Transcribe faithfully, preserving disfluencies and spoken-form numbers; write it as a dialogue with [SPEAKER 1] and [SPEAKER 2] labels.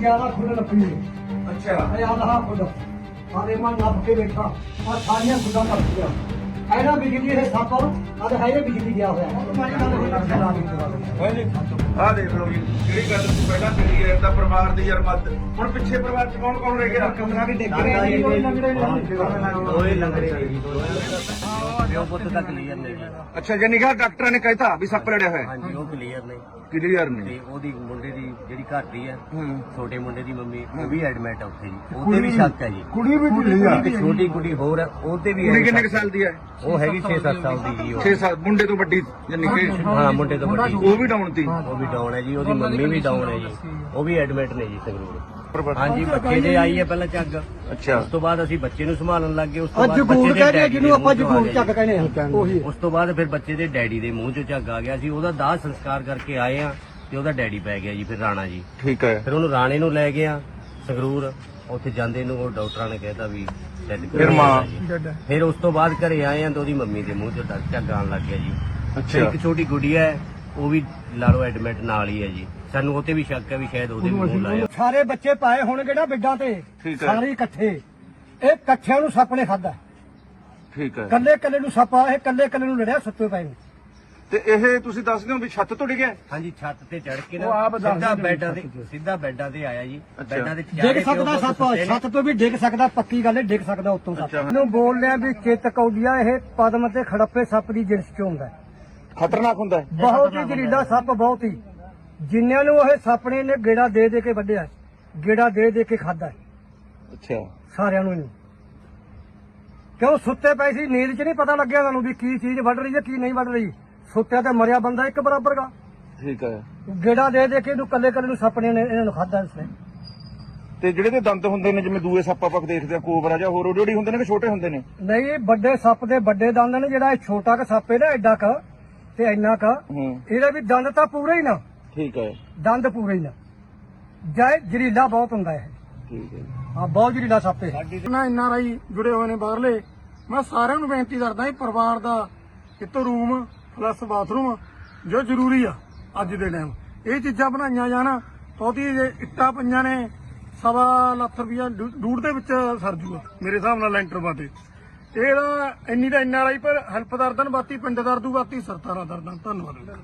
[SPEAKER 1] ज्यादा खुद लपी है।
[SPEAKER 2] अच्छा
[SPEAKER 1] याद रहा खुद सारे मन नप के बैठा और सारिया खुदा नप गया ऐना बिजली है सप अब है ये बिजली गया हुआ
[SPEAKER 2] ਆ ਦੇਖ ਲਓ ਜੀ ਜਿਹੜੀ ਗੱਲ ਤੁਸੀਂ ਪਹਿਲਾਂ ਕਹੀ ਹੈ ਤਾਂ ਪਰਿਵਾਰ ਦੀ ਯਾਰ ਮਦਦ ਹੁਣ ਪਿੱਛੇ ਪਰਿਵਾਰ ਚ ਕੌਣ ਕੌਣ ਰਹਿ ਗਿਆ ਕਮਰਾ ਵੀ ਡਿੱਗ ਰਿਹਾ ਜੀ ਕੋਈ ਲੰਗੜੇ
[SPEAKER 3] ਦੋਏ ਲੰਗੜੇ ਨੇ ਜੀ ਪਿਓ ਪੁੱਤ ਤਾਂ ਕਲੀਅਰ ਨੇ ਜੀ।
[SPEAKER 2] ਅੱਛਾ ਜੇ ਨਿਗਾਹ ਡਾਕਟਰਾਂ ਨੇ ਕਹਿਤਾ ਵੀ ਸੱਪ ਲੜਿਆ ਹੋਇਆ
[SPEAKER 3] ਹਾਂਜੀ ਉਹ ਕਲੀਅਰ ਨੇ
[SPEAKER 2] ਕਲੀਅਰ
[SPEAKER 3] ਤੇ
[SPEAKER 2] ਨਹੀਂ
[SPEAKER 3] ਉਹਦੀ ਮੁੰਡੇ ਦੀ ਜਿਹੜੀ ਘਰ ਦੀ ਹੈ
[SPEAKER 2] ਹੂੰ
[SPEAKER 3] ਛੋਟੇ ਮੁੰਡੇ ਦੀ ਮੰਮੀ ਉਹ ਵੀ ਐਡਮਿਟ ਆ ਉੱਥੇ ਜੀ ਉਹਦੇ ਵੀ ਸ਼ੱਕ ਹੈ ਜੀ।
[SPEAKER 2] ਕੁੜੀ ਵੀ ਢਿੱਲੀ ਆ
[SPEAKER 3] ਇੱਕ ਛੋਟੀ ਕੁੜੀ ਹੋਰ ਹੈ ਉਹਦੇ ਵੀ
[SPEAKER 2] ਕੁੜੀ
[SPEAKER 3] ਹੈ
[SPEAKER 2] ਕਿੰਨੇ ਕੁ
[SPEAKER 3] ਸ਼ੱਕ।
[SPEAKER 2] ਸਾਲ ਦੀ ਹੈ
[SPEAKER 3] ਉਹ ਹੈਗੀ ਛੇ ਸੱਤ ਸਾਲ ਦੀ ਜੀ ਉਹ
[SPEAKER 2] ਛੇ ਸਾਲ ਮੁੰਡੇ ਤੋਂ ਵੱਡੀ ਯਾਨੀ ਕਿ
[SPEAKER 3] ਹਾਂ ਮੁੰਡੇ ਤੋਂ ਵੱਡੀ
[SPEAKER 2] ਉਹ ਵੀ ਡਾਊਨ ਤੀ
[SPEAKER 3] ਉਹ ਵੀ ਡਾਊਨ ਹੈ ਜੀ ਉਹਦੀ ਮੰਮੀ ਵੀ ਡਾਊਨ ਹੈ ਜੀ ਉਹ ਵੀ ਐਡਮਿਟ ਨੇ ਜੀ ਸੰਗਰੂਰ। ਹਾਂਜੀ ਬੱਚੇ ਦੇ ਆਈ ਹੈ ਪਹਿਲਾਂ ਝੱਗ
[SPEAKER 2] ਅੱਛਾ
[SPEAKER 3] ਉਸ ਤੋਂ ਬਾਅਦ ਅਸੀਂ ਬੱਚੇ ਨੂੰ ਸੰਭਾਲਣ ਲੱਗ ਗਏ ਉਸ ਤੋਂ
[SPEAKER 1] ਅੱਜ
[SPEAKER 3] ਬਾਅਦ
[SPEAKER 1] ਗੂੜ
[SPEAKER 3] ਬੱਚੇ ਦੇ
[SPEAKER 1] ਕਹਿੰਦੇ
[SPEAKER 3] ਡੈਡੀ
[SPEAKER 1] ਜਿਹਨੂੰ
[SPEAKER 3] ਦੇ
[SPEAKER 1] ਆਪਾਂ
[SPEAKER 3] ਮੂੰਹ ਚੋਂ ਆ
[SPEAKER 1] ਜਗੂੜ
[SPEAKER 3] ਗਿਆ
[SPEAKER 1] ਚੱਕ ਕਹਿੰਦੇ ਹਾਂ ਉਹੀ
[SPEAKER 3] ਉਸ ਤੋਂ ਬਾਅਦ ਫਿਰ ਬੱਚੇ ਦੇ ਡੈਡੀ ਦੇ ਮੂੰਹ ਚੋਂ ਝੱਗ ਆ ਗਿਆ ਸੀ ਉਹਦਾ ਦਾਹ ਸੰਸਕਾਰ ਕਰਕੇ ਆਏ ਆ ਤੇ ਉਹਦਾ ਡੈਡੀ ਪੈ ਗਿਆ ਜੀ ਫਿਰ ਰਾਣਾ ਜੀ।
[SPEAKER 2] ਠੀਕ ਹੈ
[SPEAKER 3] ਫਿਰ ਉਹਨੂੰ ਰਾਣੇ ਨੂੰ ਲੈ ਗਿਆ ਸੰਗਰੂਰ ਉੱਥੇ ਜਾਂਦੇ ਨੂੰ ਉਹ ਡਾਕਟਰਾਂ ਨੇ ਕਹਿਤਾ ਵੀ dead ਕਰ
[SPEAKER 2] ਫਿਰ ਮਾਂ
[SPEAKER 3] ਦਿੱਤਾ ਜੀ। ਫਿਰ ਉਸ ਤੋਂ ਬਾਅਦ ਘਰੇ ਆਏ ਆ ਤੇ ਉਹਦੀ ਮੰਮੀ ਦੇ ਮੂੰਹ ਚੋਂ ਝੱਗ ਆਉਣ ਲੱਗ ਗਿਆ ਜੀ। ਫਿਰ
[SPEAKER 2] ਅੱਛਾ
[SPEAKER 3] ਇੱਕ ਛੋਟੀ ਗੁੜੀਆ ਹੈ ਉਹ ਵੀ ਲਾਲੋ ਐਡਮਿਟ ਨਾਲ ਹੀ ਹੈ ਜੀ। ਸਾਨੂੰ ਉਹ ਤੇ ਵੀ ਸ਼ੱਕ ਹੈ ਵੀ ਸ਼ਾਇਦ ਉਹਦੇ ਵੀ ਮੂੰਹ ਲਾਇਆ।
[SPEAKER 1] ਸਾਰੇ ਬੱਚੇ ਪਾਏ ਹੋਣਗੇ ਨਾ ਬਿੱਡਾਂ ਤੇ
[SPEAKER 2] ਠੀਕ ਹੈ।
[SPEAKER 1] ਸਾਰੇ ਇਕੱਠੇ ਇਹ ਇਕੱਠਿਆਂ ਨੂੰ ਸੱਪ ਨੇ ਖਾਦਾ
[SPEAKER 2] ਠੀਕ ਹੈ
[SPEAKER 1] ਕੱਲੇ ਕੱਲੇ ਨੂੰ ਸੱਪ ਆ ਇਹ ਕੱਲੇ ਕੱਲੇ ਨੂੰ ਲੜਿਆ ਸੁੱਤੇ ਪਏ ਨੂੰ।
[SPEAKER 2] ਤੇ ਇਹ ਤੁਸੀਂ ਦੱਸਦੇ ਹੋ ਵੀ ਛੱਤ ਤੋਂ ਡਿੱਗਿਆ
[SPEAKER 3] ਹਾਂਜੀ ਛੱਤ ਤੇ ਚੜ ਕੇ
[SPEAKER 1] ਉਹ
[SPEAKER 3] ਨਾ
[SPEAKER 1] ਆਪ ਦੱਸਦੇ
[SPEAKER 3] ਸਿੱਧਾ
[SPEAKER 1] ਨੇ
[SPEAKER 3] ਬੈੱਡਾਂ ਤੇ ਸਿੱਧਾ ਬੈੱਡਾਂ ਤੇ ਆਇਆ ਜੀ।
[SPEAKER 2] ਅੱਛਾ।
[SPEAKER 3] ਬੈੱਡਾਂ ਤੇ
[SPEAKER 1] ਡਿੱਗ
[SPEAKER 3] ਚਾਰੇ
[SPEAKER 1] ਸਕਦਾ
[SPEAKER 3] ਪਿਓ
[SPEAKER 1] ਸੱਪ
[SPEAKER 3] ਪੁੱਤ ਸੁੱਤੇ ਨੇ।
[SPEAKER 1] ਛੱਤ ਤੋਂ ਵੀ ਡਿੱਗ ਸਕਦਾ ਪੱਕੀ ਗੱਲ ਹੈ ਡਿੱਗ ਸਕਦਾ ਉੱਤੋਂ ਸੱਪ
[SPEAKER 2] ਅੱਛਾ।
[SPEAKER 1] ਇਹਨੂੰ ਬੋਲ ਲਿਆ ਵੀ ਚੇਤਕ ਆਉਂਦੀਆ ਇਹ ਪਦਮ ਤੇ ਖੜੱਪੇ ਸੱਪ ਦੀ ਜਿਣਸ ਚ ਹੁੰਦਾ ਹੈ।
[SPEAKER 2] ਖਤਰਨਾਕ ਹੁੰਦਾ ਹੈ
[SPEAKER 1] ਬਹੁਤ ਹੀ ਜ਼ਹਿਰੀਲਾ ਸੱਪ ਬਹੁਤ ਹੀ ਜਿਨ੍ਹਾਂ ਨੂੰ ਇਹ ਸੱਪ ਨੇ ਇਹਨੇ ਗੇੜਾ ਦੇ ਦੇ ਕੇ ਵੱਢਿਆ ਗੇੜਾ ਦੇ ਦੇ ਕੇ ਖਾਦਾ
[SPEAKER 2] ਅੱਛਾ
[SPEAKER 1] ਸਾਰਿਆਂ ਨੂੰ ਇਹਨੂੰ ਕਿਉਂ ਸੁੱਤੇ ਪਏ ਸੀ ਨੀਂਦ 'ਚ ਨਹੀਂ ਪਤਾ ਲੱਗਿਆ ਤੁਹਾਨੂੰ ਵੀ ਕੀ ਚੀਜ਼ ਵੱਢ ਰਹੀ ਹੈ ਕੀ ਨਹੀਂ ਵੱਢ ਰਹੀ ਸੁੱਤਿਆ ਤੇ ਮਰਿਆ ਬੰਦਾ ਇੱਕ ਬਰਾਬਰ ਦਾ
[SPEAKER 2] ਠੀਕ ਹੈ
[SPEAKER 1] ਗੇੜਾ ਦੇ ਦੇ ਕੇ ਇਹਨੂੰ ਕੱਲੇ ਕੱਲੇ ਨੂੰ ਸੱਪ ਨੇ ਇਹਨਾਂ ਨੂੰ ਖਾਦਾ ਇਸਨੇ
[SPEAKER 2] ਤੇ ਜਿਹੜੇ ਦੇ ਦੰਦ ਹੁੰਦੇ ਨੇ ਜਿਵੇਂ ਦੂਏ ਸੱਪ ਆਪਾਂ ਦੇਖਦੇ ਆ ਕੋਬਰਾ ਜਾਂ ਹੋਰ ਉਹੜੀ ਹੁੰਦੇ ਨੇ ਕਿ ਛੋਟੇ ਹੁੰਦੇ ਨੇ
[SPEAKER 1] ਨਹੀਂ ਵੱਡੇ ਸੱਪ ਦੇ ਵੱਡੇ ਦੰਦ ਨੇ ਜਿਹੜਾ ਇਹ ਛੋਟਾ ਕ ਸੱਪ ਹੈ ਨਾ ਐਡਾ ਕ ਤੇ ਇੰਨਾ ਕ
[SPEAKER 2] ਹੂੰ
[SPEAKER 1] ਇਹਦੇ ਵੀ ਦੰਦ ਤਾਂ ਪੂਰੇ ਹੀ ਨਾ
[SPEAKER 2] ਠੀਕ ਹੈ
[SPEAKER 1] ਦੰਦ ਪੂਰੇ ਹੀ ਨਾ ਜਾਇ ਜ਼ਹਿਰੀਲਾ ਬਹੁਤ ਹੁੰਦਾ ਇਹ
[SPEAKER 2] ਠੀਕ ਹੈ
[SPEAKER 1] ਹਾਂ ਬਹੁਤ ਜ਼ਹਿਰੀਲਾ ਸੱਪ ਹੈ
[SPEAKER 4] ਨਾ ਐਨ ਆਰ ਆਈ ਜੁੜੇ ਹੋਏ ਨੇ ਬਾਹਰਲੇ ਮੈਂ ਸਾਰਿਆਂ ਨੂੰ ਬੇਨਤੀ ਕਰਦਾ ਇਹ ਪਰਿਵਾਰ ਦਾ ਇੱਕ ਰੂਮ ਪਲੱਸ ਬਾਥਰੂਮ ਜੋ ਜ਼ਰੂਰੀ ਆ ਅੱਜ ਦੇ ਟਾਈਮ ਇਹ ਚੀਜ਼ਾਂ ਬਣਾਈਆਂ ਜਾਣ ਉਹਦੀ ਇੱਟਾਂ ਪਈਆਂ ਨੇ ਸਵਾ ਲੱਖ ਰੁਪਇਆ ਡੂਢ ਦੇ ਵਿੱਚ ਸਰ ਜੂਗਾ ਮੇਰੇ ਹਿਸਾਬ ਨਾਲ ਲੈਂਟਰ ਬਾਤੇ ਇਹਦਾ ਇੰਨੀ ਤਾਂ ਐਨ ਆਰ ਆਈ ਪਰ ਹੈਲਪ ਦਰਦਨ ਬਾਤੀ ਪਿੰਡ ਦਰਦੂ ਬਾਤੀ ਸਰਤਾਰਾ ਦਰਦਨ ਧੰਨਵਾਦ।